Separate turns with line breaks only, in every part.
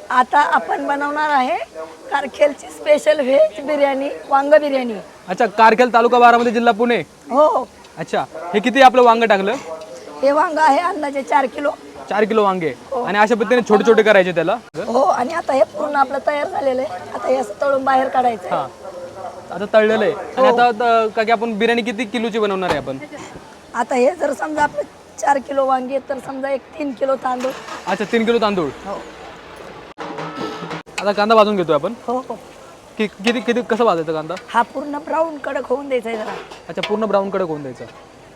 आता आपण बनवणार आहे कारखेलची स्पेशल व्हेज बिर्याणी, वांग बिर्याणी.
अच्छा, कारखेल तालुका बारामती जिल्हा पुणे.
हो,
अच्छा, हे किती आपलं वांग टाकलं?
हे वांग आहे अंदाजे 4 किलो.
4 किलो वांगे. आणि अशा पद्धतीने छोटे छोटे करायचे त्याला.
हो, आणि आता हे पूर्ण आपलं तयार झालेलं आहे. आता हे असं तळून बाहेर काढायचं
हा, आता तळलेलं आहे. आणि आता का की आपण बिर्याणी किती किलोची बनवणार आहे आपण?
आता हे जर समजा आपलं 4 किलो वांगी आहेत, तर समजा एक 3 किलो तांदूळ.
अच्छा, 3 किलो तांदूळ.
हो
आता कांदा भाजून घेतोय आपण.
हो हो.
किती किती कसं भाजायचं कांदा?
हा पूर्ण ब्राऊन कडक होऊन द्यायचा आहे जरा.
अच्छा, पूर्ण ब्राऊन कडक होऊन द्यायचं.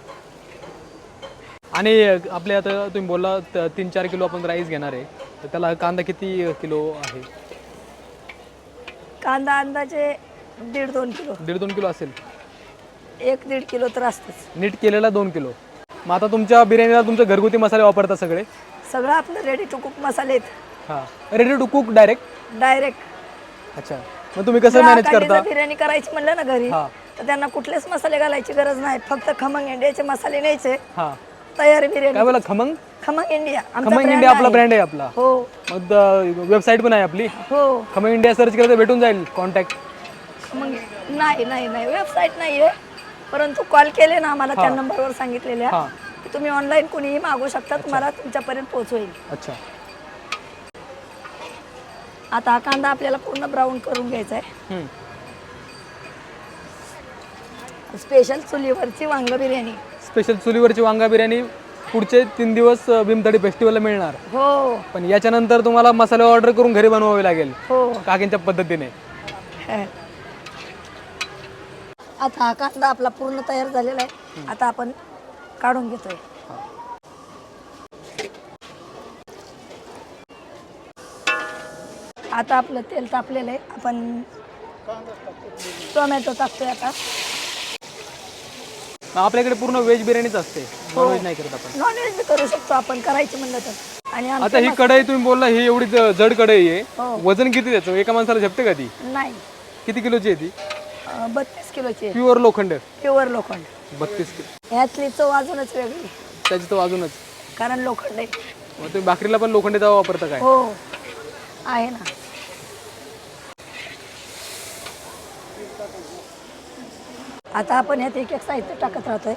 आणि आपले आता तुम्ही बोलला 3-4 किलो आपण राईस घेणार आहे, तर त्याला कांदा किती किलो आहे?
कांदा अंदाजे 1.5-2 किलो.
1.5-2 किलो असेल.
1-1.5 किलो तर असतंच.
नीट केलेला 2 किलो. मग आता तुमच्या बिर्याणीला तुमचे घरगुती मसाले वापरता सगळे?
सगळं आपलं रेडी टू कुक मसाले आहेत.
हां, ready to cook direct.
Direct.
अच्छा, मग तुम्ही कसं मॅनेज करता?
बिर्याणी करायची म्हणलं ना घरी,
हां
तर त्यांना कुठलेच मसाले घालायची गरज नाही. फक्त खमंग इंडियाचे मसाले न्यायचे.
हां,
तयार बिर्याणी.
काय बोला? खमंग
खमंग इंडिया आमचा
खमंग
brand
इंडिया आपला
आहे.
ब्रँड आहे आपला.
हो
मग वेबसाईट पण आहे आपली.
हो.
खमंग इंडिया सर्च केलं तर भेटून जाईल कॉन्टॅक्ट.
खमंग नाही नाही नाही वेबसाईट नाही आहे, परंतु कॉल केले ना आम्हाला त्या नंबरवर सांगितलेल्या
हां,
की तुम्ही ऑनलाईन कोणीही मागू शकता, तुम्हाला तुमच्यापर्यंत पोहोचवेल.
अच्छा.
आता हा कांदा आपल्याला पूर्ण ब्राऊन करून घ्यायचा आहे.
हं.
स्पेशल चुलीवरची वांग बिर्याणी.
स्पेशल चुलीवरची वांगा बिर्याणी पुढचे 3 दिवस भीमथडी फेस्टिवलला मिळणार.
हो
पण याच्यानंतर तुम्हाला मसाले ऑर्डर करून घरी बनवावे लागेल
हो.
काकींच्या पद्धतीने.
आता हा कांदा आपला पूर्ण तयार झालेला आहे. आता आपण काढून घेतोय. आता आपलं तेल तापलेलं आहे. आपण टोमॅटो टाकतोय आता.
आपल्याकडे पूर्ण व्हेज बिर्याणीच असते, नॉनव्हेज नाही करत आपण.
नॉनव्हेज बी करू शकतो आपण करायचं म्हणलं तर. आणि
आता ही कढई तुम्ही बोलला ही एवढी जड कढई आहे,
हो.
वजन किती त्याचं? एका माणसाला झेपते का ती?
नाही,
किती किलोची आहे ती?
32 किलोची आहे.
प्युअर लोखंड.
प्युअर लोखंड.
32 किलो.
ह्यातली चव अजूनच वेगळी,
त्याची तो अजूनच.
कारण लोखंड आहे.
मग तुम्ही भाकरीला पण लोखंडी तवा वापरता काय?
हो आहे ना. आता आपण ह्यात एक एक साहित्य टाकत राहतोय.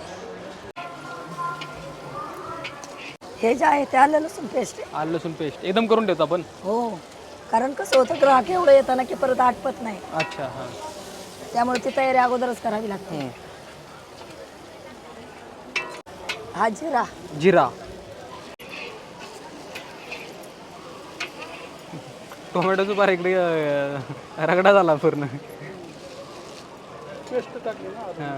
हे जे आहे ते आलं लसूण पेस्ट आहे.
आलं लसूण पेस्ट एकदम करून ठेवतो आपण.
हो, कारण कसं होतं ग्राहक एवढं येतं ना की परत आटपत नाही,
अच्छा, हां.
त्यामुळे ती तयारी अगोदरच करावी लागते. हा जिरा.
जिरा. टोमॅटोचं पार इकडे रगडा झाला पूर्ण. हां.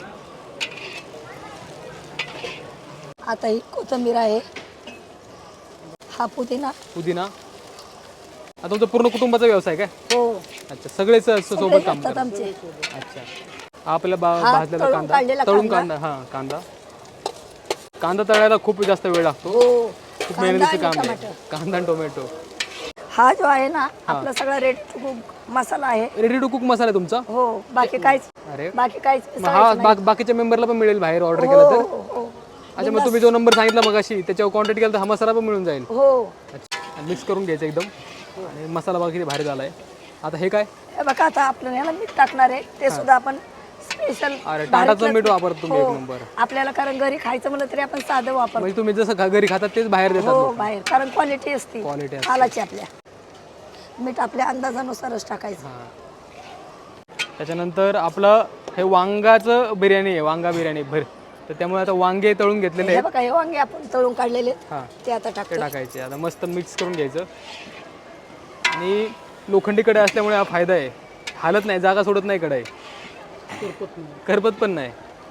आता ही कोथिंबीर आहे. हा पुदिना.
पुदिना. आता तुमचा पूर्ण कुटुंबाचा व्यवसाय काय?
हो,
अच्छा, सगळेच सोबत काम
असतात
करतात.
आमचे.
अच्छा, हा आपला भाजलेला
तळून
कांदा.
काढलेला
तळून कांदा. हां, कांदा तळायला खूप जास्त वेळ लागतो.
हो,
खूप
कांदा
मेहनतीचं
आणि
काम आहे.
टमाटर.
कांदा आणि टोमॅटो.
हा जो आहे ना आपला सगळा रेड मसाला आहे.
रेडी टू कुक मसाला आहे तुमचा?
हो, बाकी काहीच
अरे,
काहीच
मग हा बाकीच्या मेंबरला पण मिळेल बाहेर ऑर्डर केलं तर?
हो हो
अच्छा, मग तुम्ही जो नंबर सांगितला मगाशी त्याच्यावर कॉन्टॅक्ट केला तर हा मसाला पण मिळून जाईल.
हो.
अच्छा, मिक्स करून घ्यायचं एकदम. आणि मसाला बघा किती भारी झालाय. आता हे काय?
हे बघा, आता आपल्याला याला मीठ टाकणार आहे, ते सुद्धा आपण स्पेशल.
अरे, टाटाचं मीठ वापरतो तुम्ही एक नंबर.
आपल्याला कारण घरी खायचं म्हणलं तरी आपण साधं वापरतो.
म्हणजे तुम्ही जसं घरी खातात तेच बाहेर देतात
हो,
लोकं.
बाहेर कारण क्वालिटी असते.
Quality असते.
हालाची आपल्या. मीठ आपल्या अंदाजानुसारच टाकायचं.
त्याच्यानंतर आपलं हे वांगाचं बिर्याणी आहे, वांगा बिर्याणी भर. तर त्यामुळे आता वांगे तळून घेतलेले
हे
आहेत.
बघा, हे वांगे आपण तळून काढलेले आहेत.
हां,
ते आता
ते
टाकतो.
टाकायचे. आता मस्त मिक्स करून घ्यायचं. आणि लोखंडी कढई असल्यामुळे हा फायदा आहे, हालत नाही, जागा सोडत नाही कढई, करपत पण नाही.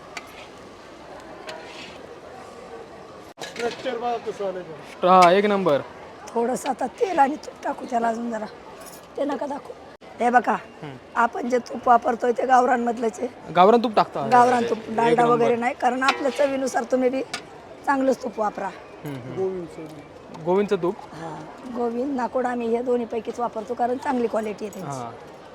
हा, एक नंबर.
थोडंसं आता तेल आणि तूप टाकू त्याला अजून जरा. ते नका दाखवू. हे बघा, आपण जे तूप वापरतोय ते गावरानमधलंच आहे.
गावरान तूप टाकता?
गावरान तूप, डालडा वगैरे नाही, कारण आपल्या चवीनुसार तुम्ही बी चांगलंच तूप वापरा.
गोविंदचं तूप.
हा, गोविंद, नाकोड आम्ही हे दोन्ही पैकीच वापरतो, कारण चांगली क्वालिटी आहे त्यांची.
हां.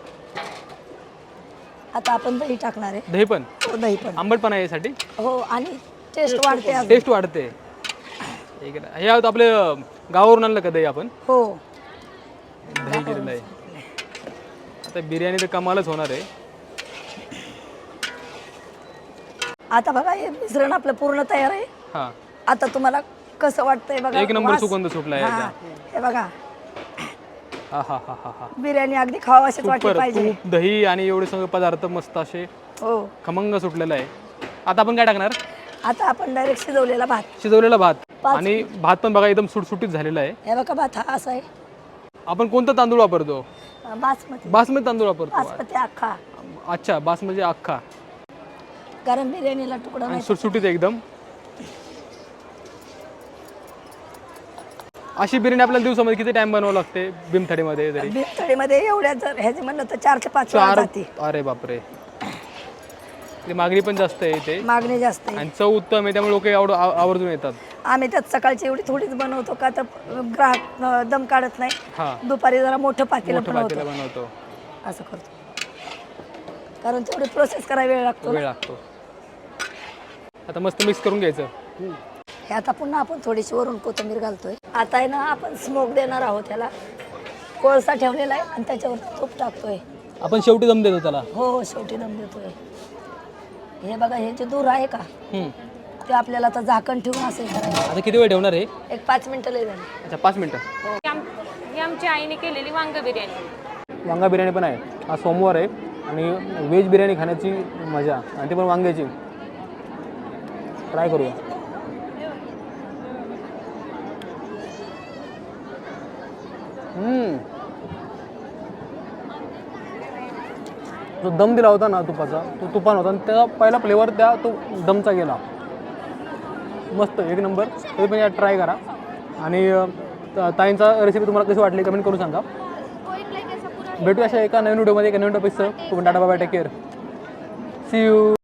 आता आपण दही टाकणार आहे.
दही पण?
हो, दही पण.
आंबटपणा यासाठी?
हो, आणि टेस्ट वाढते अजून.
टेस्ट वाढते. हे आपले गावावरून आणलं का दही आपण?
हो.
दही केलेलं आहे. आता बिर्याणी तर कमालच होणार आहे.
आता बघा हे मिश्रण आपलं पूर्ण तयार आहे.
हां,
आता तुम्हाला कसं वाटतंय बघा.
एक नंबर
वास.
सुगंध सुटलाय
हा,
याचा.
हे बघा
हा हा हा हा हा.
बिर्याणी अगदी खावाशीच वाटली
सुपर.
पाहिजे.
तूप, दही आणि एवढे सगळे पदार्थ मस्त असे
हो.
खमंग सुटलेलं आहे. आता आपण काय टाकणार?
आता आपण डायरेक्ट शिजवलेला भात.
शिजवलेला भात.
5
आणि भात पण बघा एकदम सुटसुटीत झालेला आहे.
हे बघा भात हा असा आहे.
आपण कोणता तांदूळ वापरतो?
बासमती.
बासमती तांदूळ वापरतो.
बासमती अख्खा.
अच्छा, बासमती अख्खा
कारण बिर्याणीला तुकडा
आणि
नाही.
सुटसुटीत एकदम. अशी बिर्याणी आपल्याला दिवसामध्ये किती टाइम बनवावं लागते भीमथडीमध्ये तरी?
भीमथडीमध्ये एवढ्या जर ह्याचे म्हणलं तर 4 ते 5 वेळा
4.
जाते.
अरे बापरे. ती मागणी पण जास्त आहे इथे
मागणी जास्त आहे.
आणि चव उत्तम आहे, त्यामुळे लोक एवढं आवर्जून येतात.
आम्ही त्यात सकाळची एवढी थोडीच बनवतो का तर ग्राहक दम काढत नाही.
हा,
दुपारी जरा मोठं पातेलं
मोठं
बनवतो.
पातेलं बनवतो.
असं करतो. कारण तेवढी प्रोसेस करायला वेळ लागतो.
वेळ लागतो. आता मस्त मिक्स करून घ्यायचं.
हे आता पुन्हा आपण थोडीशी वरून कोथिंबीर घालतोय. आता आहे ना आपण स्मोक देणार आहोत त्याला. कोळसा ठेवलेला आहे आणि त्याच्यावर तूप टाकतोय.
आपण शेवटी दम देतो त्याला.
हो हो, शेवटी दम देतोय. हे बघा हे जे दूर आहे का ते आपल्याला आता झाकण ठेवून असं हे करायचं.
आता किती वेळ ठेवणार आहे?
एक 5 मिनिटं लय झाली.
अच्छा, 5 मिनिटं.
ही आमच्या आईने केलेली वांग बिर्याणी.
वांगा बिर्याणी पण आहे. आज सोमवार आहे आणि व्हेज बिर्याणी खाण्याची मजा आणि ते पण वांग्याची. ट्राय करूया. जो दम दिला होता ना तुपाचा, तो तुपान होता आणि त्याचा पहिला फ्लेवर त्या तो दमचा गेला. मस्त, एक नंबर. तरी पण या ट्राय करा. आणि ताईंचा रेसिपी तुम्हाला कशी वाटली कमेंट करून सांगा. भेटूया अशा एका नवीन व्हिडिओमध्ये, एका नवीन टॉपिकसह. तुम्ही tata bye, take care, see you.